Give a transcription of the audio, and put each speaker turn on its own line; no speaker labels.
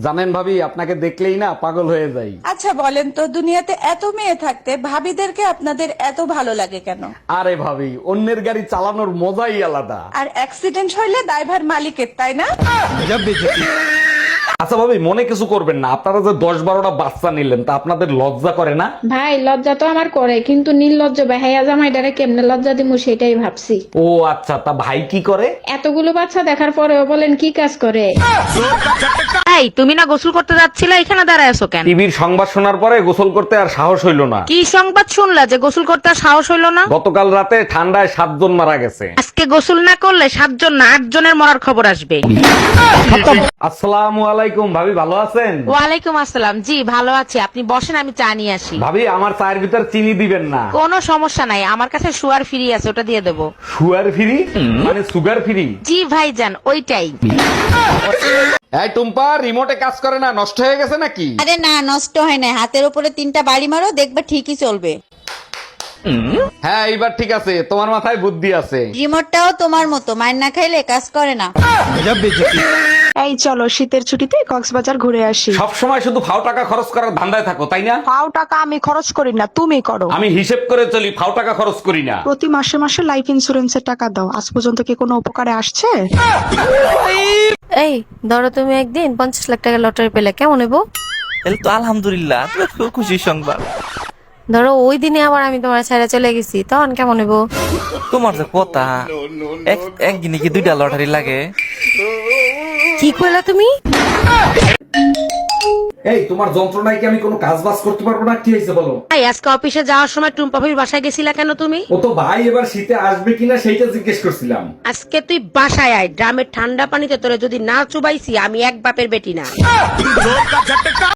জানেন ভাবি, আপনাকে দেখলেই না পাগল হয়ে যাই।
আচ্ছা বলেন তো, দুনিয়াতে এত মেয়ে থাকতে ভাবিদেরকে আপনাদের এত ভালো লাগে কেন?
আরে ভাবি, অন্যের গাড়ি চালানোর মজাই আলাদা।
আর অ্যাক্সিডেন্ট হইলে দায়ভার মালিকের, তাই না?
আচ্ছা ভাবি, মনে কিছু করবেন না, আপনারা যে 10-12টা বাচ্চা নিলেন তা আপনাদের লজ্জা করে না?
ভাই লজ্জা তো আমার করে, কিন্তু নির্লজ্জ বেহাইয়া জামাইটারে কেমনে লজ্জা দিমু সেটাই ভাবছি।
ও আচ্ছা, তা ভাই কি করে?
এতগুলো বাচ্চা দেখার পরেও বলেন কি কাজ করে?
এই তুমি না গোসল করতে যাচ্ছিলা, এখানে দাঁড়ায় আছো কেন?
টিভির সংবাদ শোনার পরে গোসল করতে আর সাহস হইল না।
কি সংবাদ শুনলা যে গোসল করতে আর সাহস হইলো না?
গতকাল রাতে ঠান্ডায় 7 জন মারা গেছে।
আজকে গোসল না করলে 7 জন না 8 জনের মরার খবর আসবে।
আসসালামু আলাইকুম ভাবি, ভালো আছেন?
ওয়ালাইকুম আসসালাম। জি ভালো আছি, আপনি বসেন, আমি চা নিয়ে আসি।
ভাবি, আমার চায়ের ভিতর চিনি দিবেন না।
কোনো সমস্যা নাই, আমার কাছে সুগার ফ্রি আছে, ওটা দিয়ে দেবো।
সুগার ফ্রি মানে সুগার ফ্রি?
জি ভাইজান, ওইটাই।
এই টুম্পা, রিমোটে কাজ করে না, নষ্ট হয়ে গেছে নাকি?
আরে না, নষ্ট হয় না। হাতের উপরে 3টা বাড়ি মারো, দেখবে ঠিকই চলবে।
হ্যাঁ, এইবার ঠিক আছে, তোমার মাথায় বুদ্ধি আছে।
রিমোটটাও তোমার মতো, মাইর না খাইলে কাজ করে না।
এই চলো শীতের ছুটিতে কক্সবাজার ঘুরে আসি।
সব সময় শুধু ফাও টাকা খরচ করার ধান্দায় থাকো, তাই না?
পাও টাকা আমি খরচ করি না, তুমি করো।
আমি হিসেব করে চলি, ফাও টাকা খরচ করি না।
প্রতি মাসে মাসে লাইফ ইন্সুরেন্সের টাকা দাও, আজ পর্যন্ত কি কোনো উপকারে আসছে?
এই ধরো তুমি একদিন 50 লাখ টাকা লটারি পেলে, কেমন নেবো?
তাহলে তো আলহামদুলিল্লাহ, খুব খুশির সংবাদ।
ধরো ওই দিনে আবার আমি তোমার ছেড়ে চলে গেছি, তখন কেমন নেবো?
তোমার যে কথা, একদিনে কি 2টা লটারি লাগে?
কি কইলা তুমি?
এই তোমার যন্ত্রণায় কি আমি কোনো কাজ বাজ করতে পারবো না? কি হয়েছে বলো?
এই আজকে অফিসে যাওয়ার সময় টুম্পা ভাবির বাসায় গেছিলা কেন তুমি?
ও তো ভাই এবার শীতে আসবে কিনা সেইটা জিজ্ঞেস করছিলাম।
আজকে তুই বাসায় আয়, ড্রামের ঠান্ডা পানিতে তোরে যদি না চুবাইছি আমি এক বাপের বেটি না।